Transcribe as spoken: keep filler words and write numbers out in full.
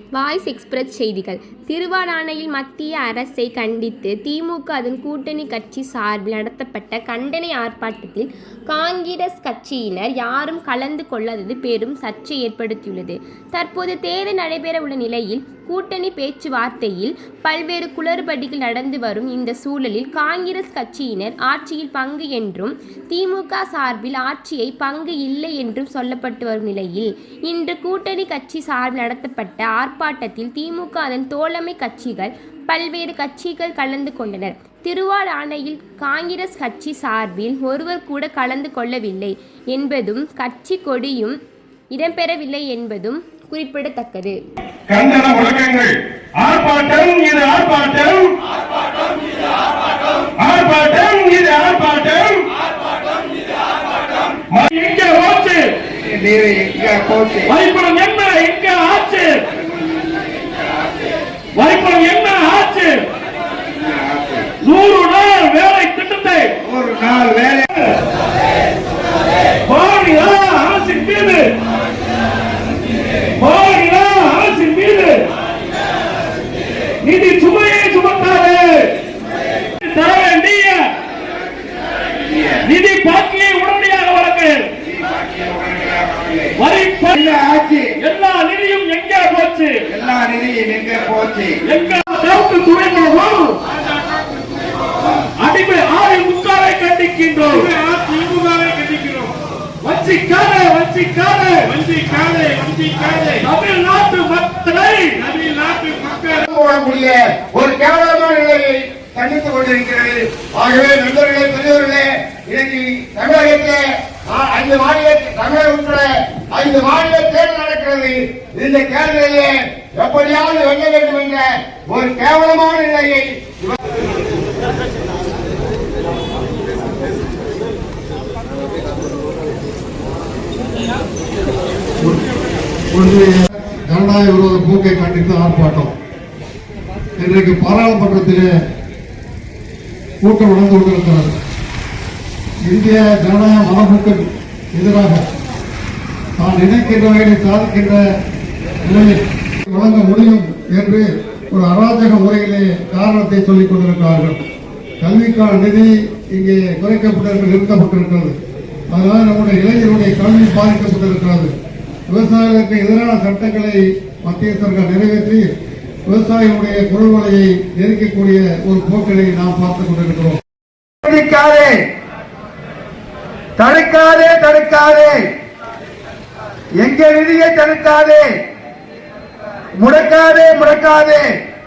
Voice express செய்திகள். திருவாடானையில் மத்திய அரசை கண்டித்து திமுக அதன் கூட்டணி கட்சி சார்பில் நடத்தப்பட்ட கண்டன ஆர்ப்பாட்டத்தில் காங்கிரஸ் கட்சியினர் யாரும் கலந்து கொள்ளாதது பெரும் சர்ச்சை ஏற்படுத்தியுள்ளது. தற்போது தேர்தல் நடைபெற உள்ள நிலையில் கூட்டணி பேச்சுவார்த்தையில் பல்வேறு குளறுபடிகள் நடந்து வரும் இந்த சூழலில் காங்கிரஸ் கட்சியினர் ஆட்சியில் பங்கு என்றும் திமுக சார்பில் ஆட்சியை பங்கு இல்லை என்றும் சொல்லப்பட்டு வரும் நிலையில் இன்று கூட்டணி கட்சி சார்பில் நடத்தப்பட்ட ஆர்ப்பாட்டத்தில் திமுக அதன் தோழமை கட்சிகள் பல்வேறு கட்சிகள் கலந்து கொண்டனர். திருவாடானையில் காங்கிரஸ் கட்சி சார்பில் ஒருவர் கூட கலந்து கொள்ளவில்லை என்பதும் கட்சி கொடியும் இடம்பெறவில்லை என்பதும் குறிப்பிடத்தக்கது. கண்டன முழக்கங்கள். ஆர்ப்பாட்டம் இது ஆர்ப்பாட்டம், ஆர்ப்பாட்டம் இது ஆர்ப்பாட்டம். எங்க ஆச்சு வரிப்பணம் என்ன? எங்க ஆச்சு வரிப்பணம் என்ன ஆச்சு? நூறு நாள் வேலை திட்டத்தை ஒரு நாள் வேலை அரசின் மீது அரசின் மீது நிதி சுமையை சுமத்தாது. தர வேண்டிய நிதி பாக்கியை உடனடியாக வழங்கு. ஆட்சி எல்லா நிதியும் எங்கே போச்சு? எல்லா நிதியும் எங்கே போச்சு? எங்க துறைமுகம் அடிமை ஆறு முக்காலை கண்டிக்கின்றோம். திமுகவை கண்டிக்கிறோம். வஞ்சிக்காதே வஞ்சிக்காதே வஞ்சிக்காதே வஞ்சிக்காதே தமிழ்நாட்டு மக்களை தமிழ்நாட்டு மக்களை போடக்கூடிய ஒரு கேவலமான நிலையை கண்டித்துக் கொண்டிருக்கிறது. ஆகவே நண்பர்களே, பெரியவர்களே, இன்னைக்கு தமிழகத்திலே ஐந்து மாநில தமிழகம் உட்பட ஐந்து மாநில தேர்தல் நடக்கிறது. இந்த தேர்தலிலே எப்படியாவது வெல்ல வேண்டும் என்ற ஒரு கேவலமான நிலையை ஜனநாயக விரோத போக்கை கண்டித்து ஆர்ப்பாட்டம். இன்றைக்கு பாராளுமன்றத்திலே கூட்டம் நடந்து கொண்டிருக்கிறது. இந்திய ஜனநாயக மரபுக்கு எதிராக தான் நினைக்கின்ற வகையை சாதிக்கின்ற நிலையை வழங்க முடியும் என்று ஒரு அராஜக முறையிலே காரணத்தை சொல்லிக் கொண்டிருக்கிறார்கள். கல்விக்கான நிதி இங்கே குறைக்கப்பட்டிருக்கிறது, நிறுத்தப்பட்டிருக்கிறது. அதனால் நம்முடைய இளைஞருடைய கல்வி பாதிக்கப்பட்டிருக்கிறது. விவசாயிகளுக்கு எதிரான சட்டங்களை மத்திய சர்க்கார் நிறைவேற்றி விவசாயிகளுடைய குரல்வலையை நெருக்கக்கூடிய ஒரு போக்கினை நாம் பார்த்துக் கொண்டிருக்கிறோம். தடுக்காதே தடுக்காதே தடுக்காதே எங்க நிதியை தடுக்காதே, முடக்காதே முடக்காதே.